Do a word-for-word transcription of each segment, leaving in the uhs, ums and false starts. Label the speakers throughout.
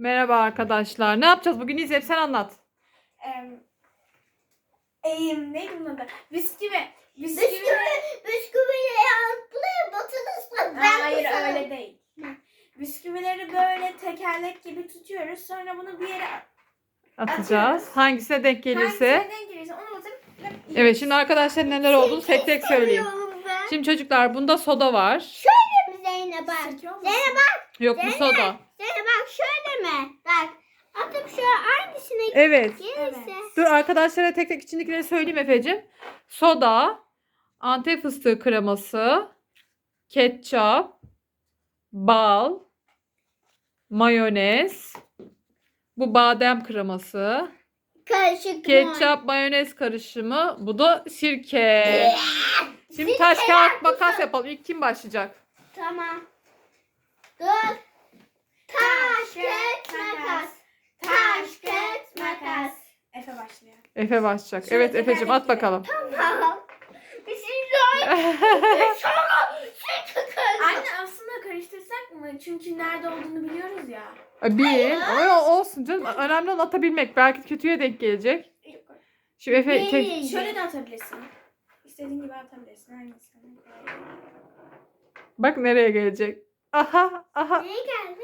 Speaker 1: Merhaba arkadaşlar. Ne yapacağız bugün? İzleyip sen anlat.
Speaker 2: Em, Eğim neydi bunun adı? Bisküvi.
Speaker 3: Bisküvi, bisküviyi buraya batırırsan ben
Speaker 2: Hayır
Speaker 3: kusarım.
Speaker 2: öyle değil. Bisküvileri böyle tekerlek gibi tutuyoruz. Sonra bunu bir yere
Speaker 1: Atacağız.
Speaker 2: Atıyoruz.
Speaker 1: Hangisine denk gelirse.
Speaker 2: hangisine denk gelirse onu batırıp
Speaker 1: Evet, şimdi arkadaşlar neler olduğunu tek tek söyleyeyim.
Speaker 3: Seviyorum ben.
Speaker 1: Şimdi çocuklar, bunda soda var.
Speaker 3: Şöyle mi Zeynep bak?
Speaker 2: Sirke olmasın?
Speaker 3: Zeynep bak.
Speaker 1: Yok, bu
Speaker 3: Zeynep.
Speaker 1: soda.
Speaker 3: Zeynep bak şöyle mi? Bak. Atıp şöyle hangisine
Speaker 1: Evet.
Speaker 3: gelirse.
Speaker 2: Evet.
Speaker 1: Dur, arkadaşlara tek tek içindekileri söyleyeyim Efe'cim. Soda, Antep fıstığı kreması, ketçap, bal, mayonez, bu badem kreması,
Speaker 3: Karışık mı?
Speaker 1: ketçap mayonez karışımı, bu da sirke. Şimdi taş kağıt makas yapalım. İlk kim başlayacak?
Speaker 3: Tamam. Dur. Taş, kağıt, makas. Taş, kağıt, makas.
Speaker 2: Efe başlıyor.
Speaker 1: Efe başlayacak.
Speaker 2: Şöyle
Speaker 1: Evet Efe'cim, at
Speaker 2: tekerlekli.
Speaker 1: bakalım.
Speaker 3: Tamam. Bismillah. Sonra süt kız.
Speaker 2: Anne aslında karıştırsak mı? Çünkü nerede olduğunu biliyoruz ya.
Speaker 1: Bir. Ama olsun canım. Önemli olan atabilmek. Belki kötüye denk gelecek. Şimdi Efe
Speaker 3: Bir.
Speaker 1: tek...
Speaker 2: Şöyle de atabilirsin. İstediğin gibi atabilirsin. Hangisini?
Speaker 1: Bak nereye gelecek. Aha aha.
Speaker 3: Neye geldi?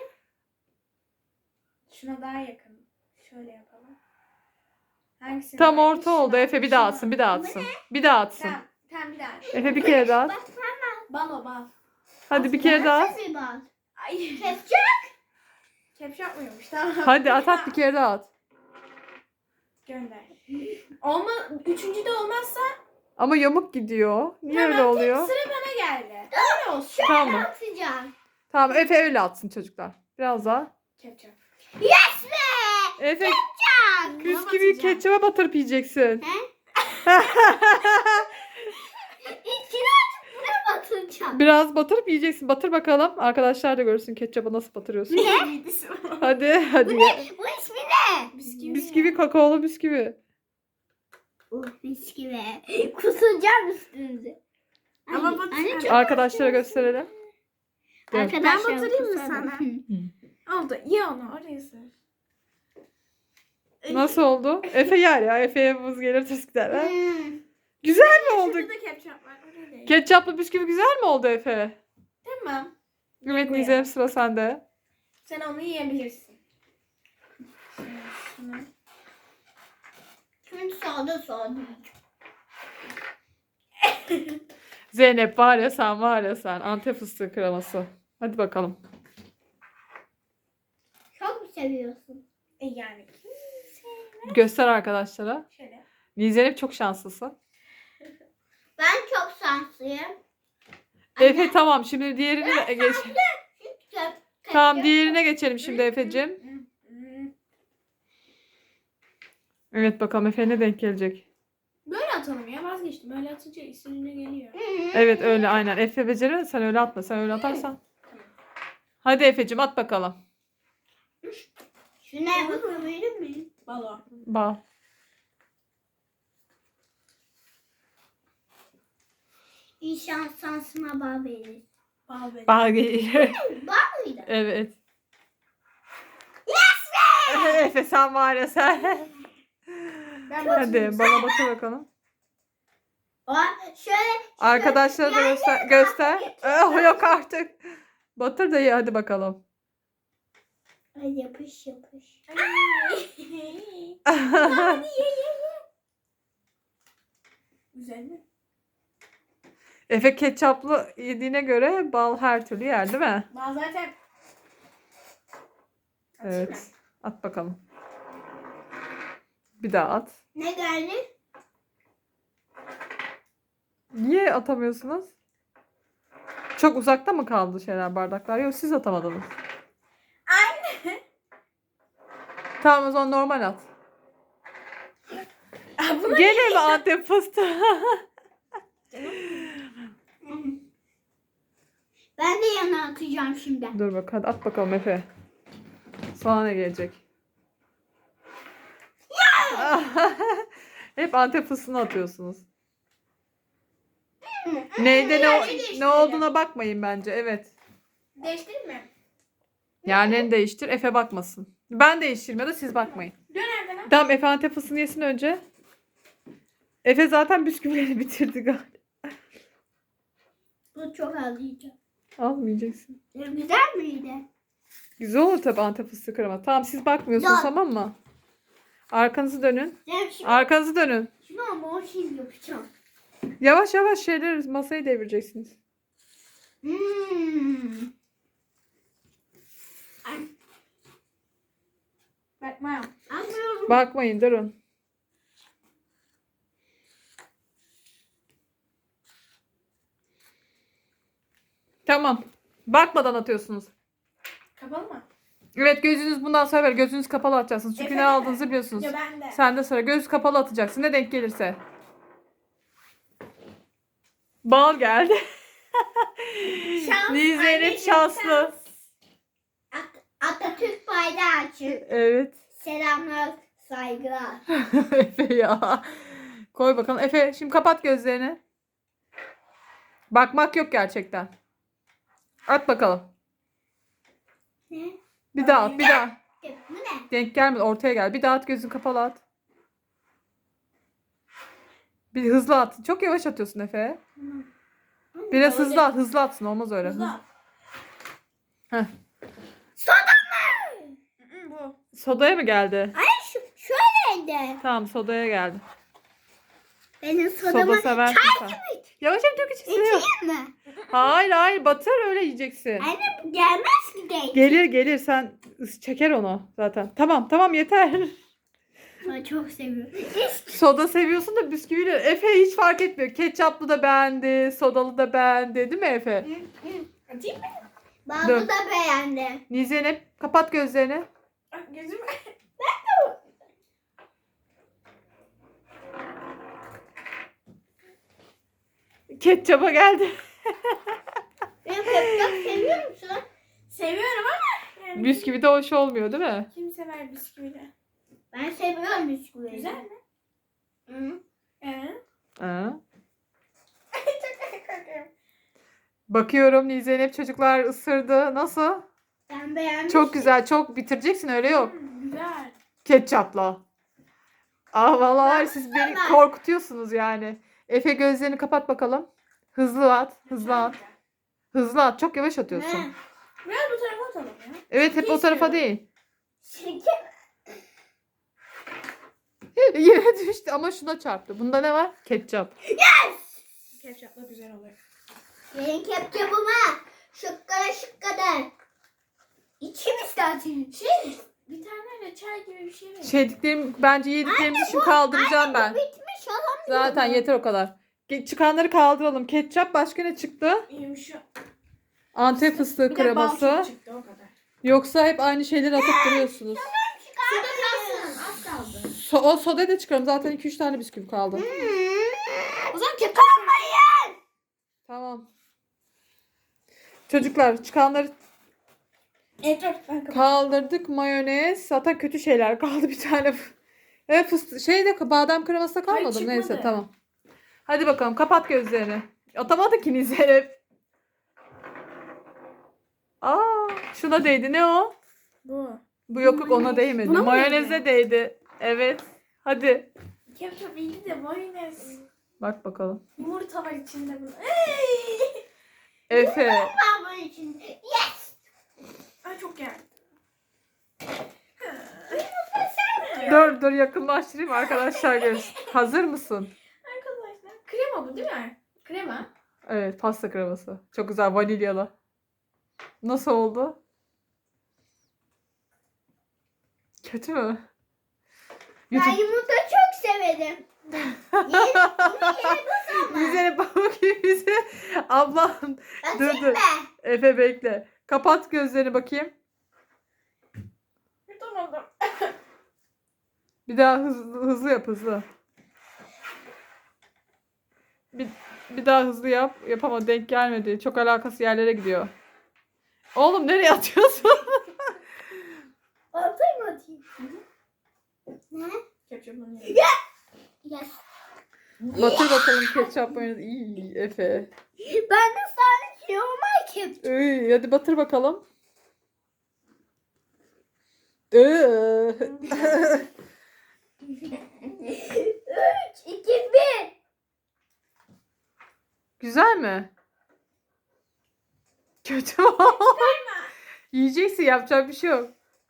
Speaker 2: Şuna daha yakın. Şöyle yapalım. Hangisini?
Speaker 1: Tam
Speaker 2: daha-
Speaker 1: orta oldu.
Speaker 2: Şuna-
Speaker 1: Efe bir daha
Speaker 2: şuna.
Speaker 1: atsın. Bir daha atsın. Bir daha atsın.
Speaker 2: Tamam. Tamam bir daha.
Speaker 1: Efe bir kere daha at.
Speaker 3: Bak
Speaker 2: Bal o bal.
Speaker 1: Hadi bir kere daha at.
Speaker 3: nasıl bir bal?
Speaker 2: Ay.
Speaker 3: Kesecek.
Speaker 2: Kepçe yapmıyormuş. Tamam.
Speaker 1: Hadi at at bir kere daha at.
Speaker 2: Gönder. Olma, üçüncü de olmazsa
Speaker 1: Ama yamuk gidiyor. Niye öyle
Speaker 2: tamam,
Speaker 1: oluyor?
Speaker 2: Sıra bana geldi. Öyle olsun.
Speaker 1: Tamam.
Speaker 3: Atacağım.
Speaker 1: Tamam, Efe öyle atsın çocuklar. Biraz daha.
Speaker 2: Kepçe.
Speaker 3: Yes be.
Speaker 1: Efe
Speaker 3: Çak.
Speaker 1: bisküviyi
Speaker 2: batacağım.
Speaker 1: ketçaba batırıp yiyeceksin.
Speaker 3: İçine açıp buraya batıracağım.
Speaker 1: Biraz batırıp yiyeceksin. Batır bakalım. Arkadaşlar da görsün ketçaba nasıl batırıyorsun.
Speaker 2: Ne?
Speaker 1: Hadi hadi.
Speaker 3: Bu ismi ne?
Speaker 2: Bisküvi.
Speaker 1: Bisküvi, kakaolu bisküvi.
Speaker 3: Uh bisküvi. Kusacağım üstünüze.
Speaker 2: Ama
Speaker 3: Ay,
Speaker 2: batır-
Speaker 3: anne çok-
Speaker 1: Arkadaşlara gösterelim. Gel.
Speaker 3: Arkadaşlar
Speaker 2: Ben batırayım mı
Speaker 3: kusarım.
Speaker 2: sana?
Speaker 3: Hı.
Speaker 2: Oldu. Ye onu. Oraya sür.
Speaker 1: Nasıl oldu? Efe yer ya. Efe'ye buz gelir tuz gider. Ha?
Speaker 3: Hmm.
Speaker 1: Güzel mi oldu?
Speaker 2: Şurada da kepçe var. Oraya değil.
Speaker 1: Ketçaplı bisküvi güzel mi oldu Efe?
Speaker 2: Tamam.
Speaker 1: Evet
Speaker 2: Bu
Speaker 1: Nizem,
Speaker 2: ya.
Speaker 1: sıra sende.
Speaker 2: Sen onu yiyebilirsin. Şimdi şunu.
Speaker 3: Şimdi sağda sağda.
Speaker 1: Zeynep var ya sen, var ya sen. Antep fıstığı kreması. Hadi bakalım.
Speaker 3: Çok mu seviyorsun?
Speaker 2: E yani.
Speaker 1: Göster arkadaşlara.
Speaker 2: Şöyle.
Speaker 1: Zeynep çok şanslısın.
Speaker 3: Ben çok şanslıyım.
Speaker 1: Efe tamam, şimdi diğerine geç.
Speaker 3: Köp,
Speaker 1: Tamam, diğerine geçelim şimdi Efe'cim.
Speaker 2: Hı, hı.
Speaker 1: Evet bakalım Efe ne denk gelecek.
Speaker 2: Böyle atalım ya, vazgeçtim. Öyle atınca istediğine geliyor.
Speaker 1: Evet öyle aynen. Efe becerir, sen öyle atma. Sen öyle atarsan. Hadi Efe'cim at bakalım.
Speaker 3: Şuna bakabilir miyim?
Speaker 2: Balo.
Speaker 1: Bal.
Speaker 3: İnşallah şansıma bağ verir.
Speaker 2: Bal böyle.
Speaker 1: Bal geliyor.
Speaker 3: Bağ mıydı?
Speaker 1: Evet.
Speaker 3: Yes be!
Speaker 1: Efe sen var ya sen.
Speaker 2: Ben
Speaker 1: Hadi
Speaker 2: batırayım.
Speaker 1: bana batır bakalım.
Speaker 3: O, şöyle.
Speaker 1: Arkadaşlara da göster. göster. Oh, yok artık. Batır da ye hadi bakalım.
Speaker 3: Ay yapış yapış.
Speaker 2: Güzel mi?
Speaker 1: Efe ketçaplı yediğine göre bal her türlü yer değil mi?
Speaker 2: Bal zaten. Atayım mı?
Speaker 1: Evet. At bakalım. Bir daha at.
Speaker 3: Ne geldi?
Speaker 1: Niye atamıyorsunuz? Çok uzakta mı kaldı şeyler, bardaklar? Yok, siz atamadınız.
Speaker 2: Anne.
Speaker 1: Tamam, o zaman normal at.
Speaker 2: Aa, buna
Speaker 1: Gene mi Antep fıstığı?
Speaker 3: Ben de yana atacağım şimdi.
Speaker 1: Dur bak, hadi at bakalım Efe. Sana ne gelecek? Hep Antep fıstığını atıyorsunuz. Neyde ne,
Speaker 2: Yerleri
Speaker 1: ne olduğuna bakmayın bence. Evet.
Speaker 2: değiştireyim mi?
Speaker 1: Yerlerini değiştir. Efe bakmasın. Ben değiştireyim ya da siz bakmayın.
Speaker 2: Dön Erdem'e.
Speaker 1: Tamam Efe Antep fıstığını yesin önce. Efe zaten bisküvileri bitirdi galiba.
Speaker 3: Bu çok az yiyeceğim.
Speaker 1: Almayacaksın.
Speaker 3: Güzel miydi?
Speaker 1: Güzel olur tabii Antep fıstığı krema. Tamam siz bakmıyorsunuz
Speaker 3: Yok.
Speaker 1: tamam mı? Arkanızı dönün.
Speaker 3: Ben şimdi,
Speaker 1: Arkanızı dönün.
Speaker 3: şimdi ama o şey yapacağım.
Speaker 1: Yavaş yavaş şeyler masayı devireceksiniz.
Speaker 3: Hmm.
Speaker 2: Bakma.
Speaker 3: Anlıyorum.
Speaker 1: Bakmayın durun. Tamam. Bakmadan atıyorsunuz.
Speaker 2: Kapalı mı?
Speaker 1: Evet gözünüz bundan sonra böyle gözünüz kapalı atacaksınız. Çünkü
Speaker 2: Efe
Speaker 1: ne
Speaker 2: de.
Speaker 1: aldığınızı biliyorsunuz.
Speaker 2: Ya ben de.
Speaker 1: Sen de sıra göz kapalı atacaksın. Ne denk gelirse. Bal geldi.
Speaker 2: Şans,
Speaker 1: Niye Zeynep
Speaker 2: anneciğim,
Speaker 1: şanslı.
Speaker 2: şans.
Speaker 3: At- Atatürk bayrağı açın.
Speaker 1: Evet.
Speaker 3: Selamlar, saygılar.
Speaker 1: Efe ya. Koy bakalım. Efe şimdi kapat gözlerini. Bakmak yok gerçekten. At bakalım.
Speaker 3: Ne?
Speaker 1: Bir daha at bir daha.
Speaker 3: Bu ne?
Speaker 1: Denk gelmedi ortaya gel. Bir daha at gözün kapalı at. Bir hızlı at. Çok yavaş atıyorsun Efe. Biraz hızlı at. Hızlı atsın olmaz öyle.
Speaker 2: Hızlı.
Speaker 1: Hız- Heh.
Speaker 2: Hı, Bu.
Speaker 1: Sodaya mı geldi?
Speaker 3: Ay şu şöyleydi.
Speaker 1: Tamam sodaya geldi.
Speaker 3: Benim
Speaker 1: Soda
Speaker 3: sodama
Speaker 1: seversin sen. Yavaş yavaş dök içine.
Speaker 3: içeyim mi?
Speaker 1: Hayır hayır batır öyle yiyeceksin.
Speaker 3: Anne bu gelmez ki denk.
Speaker 1: Gelir gelir sen ıs- çeker onu zaten. Tamam tamam yeter.
Speaker 3: Ben çok seviyorum.
Speaker 1: Soda seviyorsun da bisküviyle. Efe hiç fark etmiyor. Ketçaplı da beğendi, sodalı da beğendi değil mi Efe?
Speaker 2: Atayım mı?
Speaker 3: Bazı
Speaker 1: Dur.
Speaker 3: da beğendi.
Speaker 1: Nizeynep kapat gözlerini.
Speaker 2: Ah, gözüm.
Speaker 1: Ketçaba geldi.
Speaker 3: Ben ketçap seviyor musun?
Speaker 2: Seviyorum ama. Yani
Speaker 1: Bisküvi de hoş olmuyor değil mi?
Speaker 2: Kim sever bisküvileri?
Speaker 3: Ben seviyorum bisküviyi.
Speaker 2: Güzel mi?
Speaker 3: Hı.
Speaker 2: Ee?
Speaker 1: Ha.
Speaker 2: Çok korkuyorum.
Speaker 1: Bakıyorum Nizeynep çocuklar ısırdı. Nasıl?
Speaker 3: Ben beğenmiştim.
Speaker 1: Çok güzel. Çok bitireceksin öyle yok.
Speaker 2: Hmm, güzel.
Speaker 1: Ketçapla. Aa vallahi
Speaker 3: Ben
Speaker 1: siz beni
Speaker 3: ısırmam.
Speaker 1: korkutuyorsunuz yani. Efe gözlerini kapat bakalım. Hızlı at. Hızlı at. Hızlı at. Çok yavaş atıyorsun.
Speaker 3: Ne?
Speaker 2: Biraz bu tarafa atalım ya.
Speaker 1: Evet hep o tarafa değil.
Speaker 3: Şeker.
Speaker 1: Yere düştü ama şuna çarptı. Bunda ne var? Ketçap.
Speaker 2: Ketçapla güzel oluyor.
Speaker 3: Benim ketçapıma şıkkada şıkkada. İçim istersin.
Speaker 2: Şey, bir tane reçel gibi bir şey var.
Speaker 1: Şeydiklerim bence yediklerimizi şimdi kaldıracağım ben.
Speaker 3: Bitmiş alamıyorum.
Speaker 1: Zaten yeter o kadar. Ge- Çıkanları kaldıralım. Ketçap başka ne çıktı?
Speaker 2: Yumuşak.
Speaker 1: Antep fıstığı
Speaker 2: Bir de bal
Speaker 1: kreması.
Speaker 2: çok çıktı o kadar.
Speaker 1: Yoksa hep aynı şeyleri atıp duruyorsunuz.
Speaker 2: Suda kalsın. Az kaldı.
Speaker 1: So o soda da çıkarım. Zaten iki üç tane bisküvi kaldı.
Speaker 2: O zaman ketçap.
Speaker 1: Tamam. Çocuklar çıkanları
Speaker 2: Evet dur. Ben kapatıyorum.
Speaker 1: kaldırdık. Mayonez. Zaten kötü şeyler kaldı bir tane. Evet fıstık. Şeyde badem kreması da kalmadı mı?
Speaker 2: çıkmadı.
Speaker 1: Neyse tamam. Hadi bakalım kapat gözlerini. Atamadı ki Zeynep. Aa, şuna değdi. Ne o?
Speaker 2: Bu.
Speaker 1: Bu yok yok ona değmedi.
Speaker 2: Buna mı
Speaker 1: Mayoneze değdi. Evet. Hadi.
Speaker 2: Ketçap iyi de mayonez.
Speaker 1: Bak bakalım.
Speaker 2: Yumurta var içinde bunun. Ey!
Speaker 1: Efe.
Speaker 3: Ben bunun için. Yes.
Speaker 2: Ay çok geldi.
Speaker 1: Dur dur yakınlaştırayım arkadaşlar görsün. Hazır mısın?
Speaker 2: Arkadaşlar. Krema bu değil mi? Krema.
Speaker 1: Evet pasta kreması. Çok güzel vanilyalı. Nasıl oldu? Kötü mü?
Speaker 3: Ben
Speaker 1: YouTube...
Speaker 3: yumurta çok severim. Yeni, bunu yeni bulsam mı?
Speaker 1: Bize pamuk gibi bize. Ablam. Dur
Speaker 3: Açayım
Speaker 1: dur.
Speaker 3: mı?
Speaker 1: Efe bekle. Kapat gözlerini bakayım.
Speaker 2: Yutamadım.
Speaker 1: Bir daha hızlı, hızlı yap hızlı. Bir, bir daha hızlı yap. Yapama denk gelmedi. Çok alakası yerlere gidiyor. Oğlum nereye atıyorsun?
Speaker 3: Atayım mı atayım? Ne?
Speaker 2: Ketçapın
Speaker 3: Yes.
Speaker 1: Batır bakalım ketçap mayonez. İyi Efe.
Speaker 3: Ben de sadece normal ketçap.
Speaker 1: İyi, hadi batır bakalım. Iı.
Speaker 3: Üç, iki, bir.
Speaker 1: Güzel mi? Kötü mü? Yiyeceksin, yapacak bir şey yok.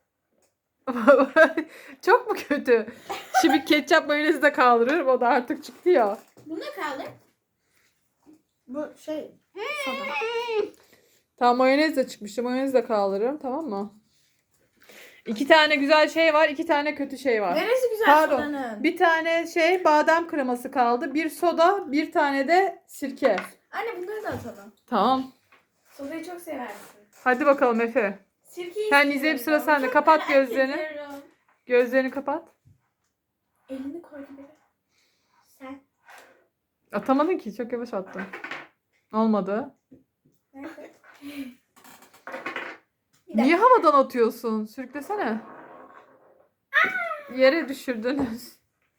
Speaker 1: Çok mu kötü? Şimdi ketçap mayonezi de kaldırıyorum. O da artık çıktı ya.
Speaker 2: Bu ne kaldı? Bu şey.
Speaker 1: Tamam, mayonez de çıkmıştı. Mayonezi de kaldırıyorum, tamam mı? İki tane güzel şey var. iki tane kötü şey var.
Speaker 2: Neresi güzel
Speaker 1: Pardon.
Speaker 2: sodanın?
Speaker 1: Bir tane şey badem kreması kaldı. Bir soda, bir tane de sirke.
Speaker 2: Anne bunları da atalım.
Speaker 1: Tamam.
Speaker 2: Sodayı çok seversin.
Speaker 1: Hadi bakalım Efe.
Speaker 2: Sirkeyi
Speaker 1: Sen
Speaker 2: seviyorum.
Speaker 1: Nizem, sıra sende.
Speaker 2: Çok
Speaker 1: Kapat
Speaker 2: merak
Speaker 1: gözlerini.
Speaker 2: ediyorum.
Speaker 1: Gözlerini kapat.
Speaker 2: Elini koy gibi.
Speaker 3: Sen.
Speaker 1: Atamadın ki. Çok yavaş attın. Olmadı.
Speaker 2: Nerede?
Speaker 1: Niye havadan atıyorsun? Sürüklesene. Yere düşürdünüz.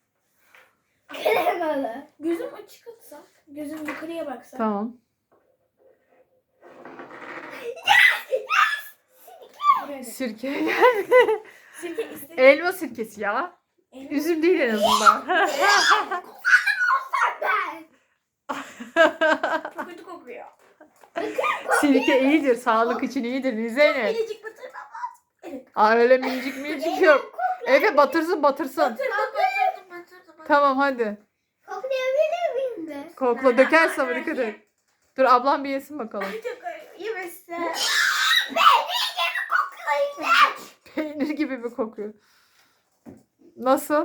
Speaker 3: Kremalı.
Speaker 2: Gözüm açık atsak. Gözüm yukarıya baksa.
Speaker 1: Tamam.
Speaker 2: Buraya da.
Speaker 1: Sirke.
Speaker 2: Sirke istedim.
Speaker 1: Elma sirkesi ya.
Speaker 2: Elini-
Speaker 1: Üzüm değil en azından.
Speaker 3: Ben.
Speaker 2: Çok kötü kokuyor.
Speaker 1: Sirke iyidir. Sağlık için iyidir. Zeynep.
Speaker 2: Minicik batırmam. Evet.
Speaker 1: Aa, öyle minicik minicik yok. Efe batırsın batırsın.
Speaker 2: Batırdım batırdım batırdım. batırdım.
Speaker 1: Tamam hadi.
Speaker 3: Koklayabilir miyim be?
Speaker 1: Kokla, dökerse ama dikkat et. Dur, ablam bir yesin bakalım.
Speaker 2: Çok acı. Yemezse.
Speaker 1: Peynir gibi mi kokuyor? Nasıl?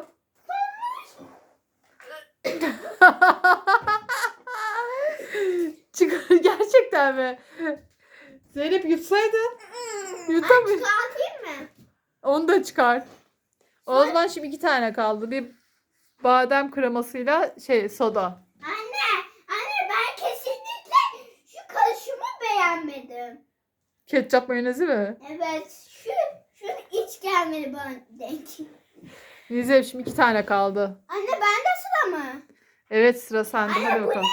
Speaker 1: Çıkar gerçekten mi? Zeynep yutsaydın. Yutamıyor.
Speaker 3: Çıkartayım mı?
Speaker 1: Onu da çıkar. O zaman şimdi iki tane kaldı. Bir badem kremasıyla şey soda.
Speaker 3: Anne, anne ben kesinlikle şu karışımı beğenmedim.
Speaker 1: Ketçap mayonezi mi?
Speaker 3: Evet, şu şu hiç gelmedi bana denk.
Speaker 1: Nizem, şimdi iki tane kaldı.
Speaker 3: Anne ben de sıra mı?
Speaker 1: Evet, sıra sende.
Speaker 3: Anne,
Speaker 1: Hadi
Speaker 3: bu
Speaker 1: bakalım.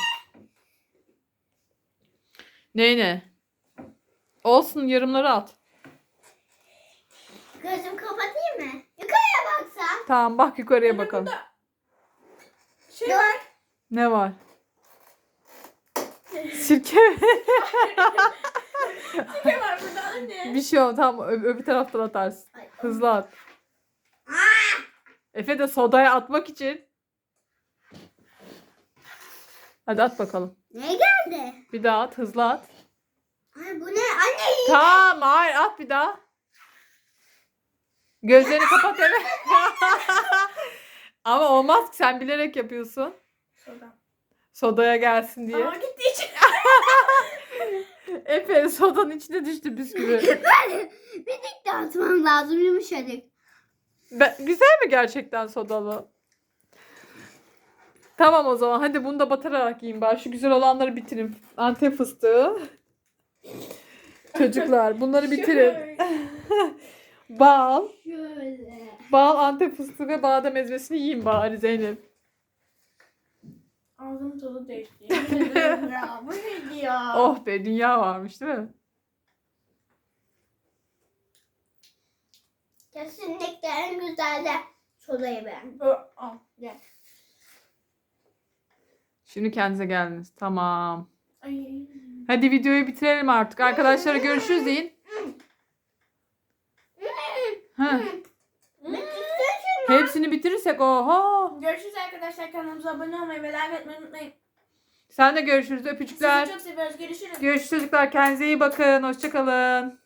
Speaker 1: Ne ne? Olsun, yarımları at.
Speaker 3: Gözüm kapatayım mı? Yukarıya baksam.
Speaker 1: Tamam, bak yukarıya
Speaker 2: Anne,
Speaker 1: bakalım.
Speaker 2: burada Şey var.
Speaker 1: Ne var? Sirke mi?
Speaker 2: Sirke var burada anne.
Speaker 1: Bir şey yok. Tamam, ö- öbür taraftan atarsın.
Speaker 3: Ay,
Speaker 1: Hızlı at. Efe de sodaya atmak için. Hadi at bakalım.
Speaker 3: Ne geldi?
Speaker 1: Bir daha at. Hızlı at.
Speaker 3: Ay bu ne? Anne iyi.
Speaker 1: Tamam, hayır, at bir daha. Gözlerini kapat evet. Ama olmaz ki, sen bilerek yapıyorsun.
Speaker 2: Soda.
Speaker 1: Sodaya gelsin diye.
Speaker 2: Aa gitti içine.
Speaker 1: Efe sodanın içine düştü bisküvi.
Speaker 3: Ben bir dik de atmam lazım yumuşacık.
Speaker 1: Ben- güzel mi gerçekten sodalı? Tamam o zaman, hadi bunu da batırarak yiyin bari. Şu güzel olanları bitirin. Antep fıstığı. Çocuklar bunları bitirin.
Speaker 2: Şöyle.
Speaker 1: Bal.
Speaker 3: Şöyle.
Speaker 1: Bal, Antep fıstığı ve badem ezmesini yiyin bari Zeynep.
Speaker 2: Ağzım tadı değişti. Yemin ederim ya. Bu neydi ya?
Speaker 1: Oh be, dünya varmış değil mi?
Speaker 3: Kesinlikle en güzel de sodayı ben.
Speaker 2: Ö, al gel.
Speaker 1: Şimdi kendinize geldiniz. Tamam.
Speaker 2: Ay.
Speaker 1: Hadi videoyu bitirelim artık. Arkadaşlara görüşürüz deyin. Heh. Hepsini bitirirsek oho.
Speaker 2: Görüşürüz arkadaşlar. Kanalımıza abone olmayı ve like etmeyi unutmayın.
Speaker 1: Sen de görüşürüz. Öpücükler.
Speaker 2: Sizi çok seviyoruz. Görüşürüz.
Speaker 1: Görüşürüz çocuklar. Kendinize iyi bakın. Hoşçakalın.